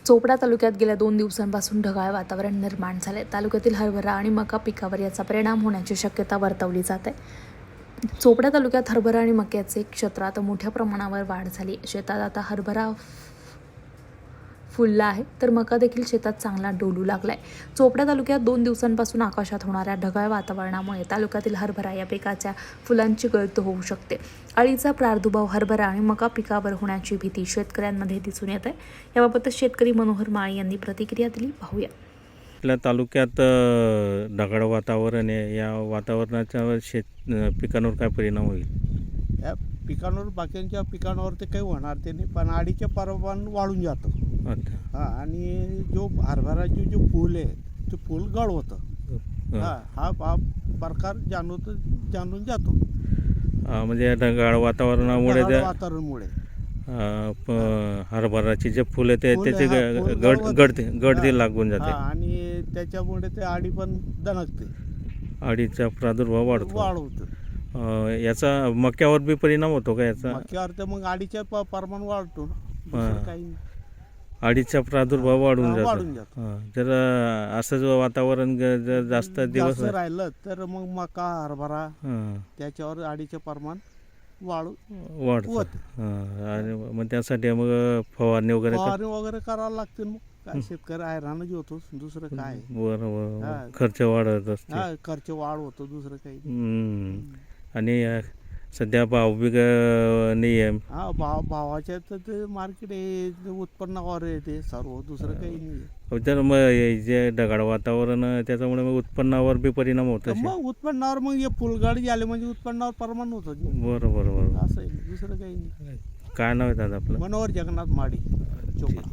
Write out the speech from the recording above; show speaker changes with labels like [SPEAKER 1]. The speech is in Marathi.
[SPEAKER 1] चोपडा तालुक्यात गेल्या 2 दिवसांपासून ढगाळ वातावरण निर्माण झाले. तालुक्यातील हरभरा आणि मका पिकावर याचा परिणाम होण्याची शक्यता वर्तवली जाते. चोपडा तालुक्यात हरभरा आणि मक्याचे क्षेत्रात मोठ्या प्रमाणावर वाढ झाली. शेतात आता हरभरा फुलला आहे तर मका देखील शेतात चांगला डोलू लागलाय. चोपडा तालुक्यात 2 दिवसांपासून आकाशात होणाऱ्या ढगाळ वातावरणामुळे तालुक्यातील हरभरा या पिकाच्या फुलांची गळती होऊ शकते. अळीचा प्रादुर्भाव हरभरा आणि मका पिकावर होण्याची भीती शेतकऱ्यांमध्ये दिसून येत आहे. याबाबत शेतकरी मनोहर माळी यांनी प्रतिक्रिया दिली. पाहूया.
[SPEAKER 2] आपल्या तालुक्यात ढगाळ वातावरण आहे. या वातावरणाच्या पिकांवर काय परिणाम होईल?
[SPEAKER 3] या पिकांवर बाकीच्या पिकांवर ते काही होणार ते नाही, पण अडीचे प्रमाण वाढून जातं.
[SPEAKER 2] अच्छा.
[SPEAKER 3] हां, आणि जो हरभराचे जो फूल आहे ते फूल गळ होतं. हा प्रकार जाणून जातो.
[SPEAKER 2] म्हणजे या ढगाळ वातावरणामुळे
[SPEAKER 3] ढगाळ वातावरणामुळे
[SPEAKER 2] हरभराचे जे फुलं ते
[SPEAKER 3] फुलं,
[SPEAKER 2] त्याचे
[SPEAKER 3] हा, फुल
[SPEAKER 2] गळती लागून जाते.
[SPEAKER 3] आणि त्याच्यामुळे ते अडी पण दणकते,
[SPEAKER 2] अळीचा प्रादुर्भाव वाढतो. याचा मक्यावर बी परिणाम होतो का याचा?
[SPEAKER 3] मक्यावर तर मग अडीचे प्रमाण वाढतो ना, दुसरं काही नाही.
[SPEAKER 2] अळीचा प्रादुर्भाव वाढून
[SPEAKER 3] वाढून
[SPEAKER 2] जातो. जर असं जो वातावरण जर जास्त दिवस
[SPEAKER 3] जास्त राहिलं तर मग मका हरभरा त्याच्यावर अडीचे प्रमाण
[SPEAKER 2] वाढतं. आणि मग त्यासाठी मग फवारणी
[SPEAKER 3] करावं लागते. मग काय शेतकरी हैराणच होतो, दुसरं काय.
[SPEAKER 2] बरोबर. खर्च वाढत असते.
[SPEAKER 3] खर्च वाढ होतो, दुसरं काही नाही.
[SPEAKER 2] आणि सध्या भाव बी नाही आहे.
[SPEAKER 3] हा, भावाच्या तर ते मार्केट आहे, उत्पन्नावर आहे ते सर्व, दुसरं काही नाही.
[SPEAKER 2] तर मग हे जे ढगाळ वातावरण त्याच्यामुळे मग उत्पन्नावर बी परिणाम होतो.
[SPEAKER 3] मग उत्पन्नावर मग हे फुलगड झाले म्हणजे उत्पन्नावर प्रमाण होतं.
[SPEAKER 2] बरोबर.
[SPEAKER 3] असं आहे, दुसरं काही नाही.
[SPEAKER 2] काय नाव आहे दादा आपलं?
[SPEAKER 3] मनोहर जगन्नाथ माडी, चोपडा.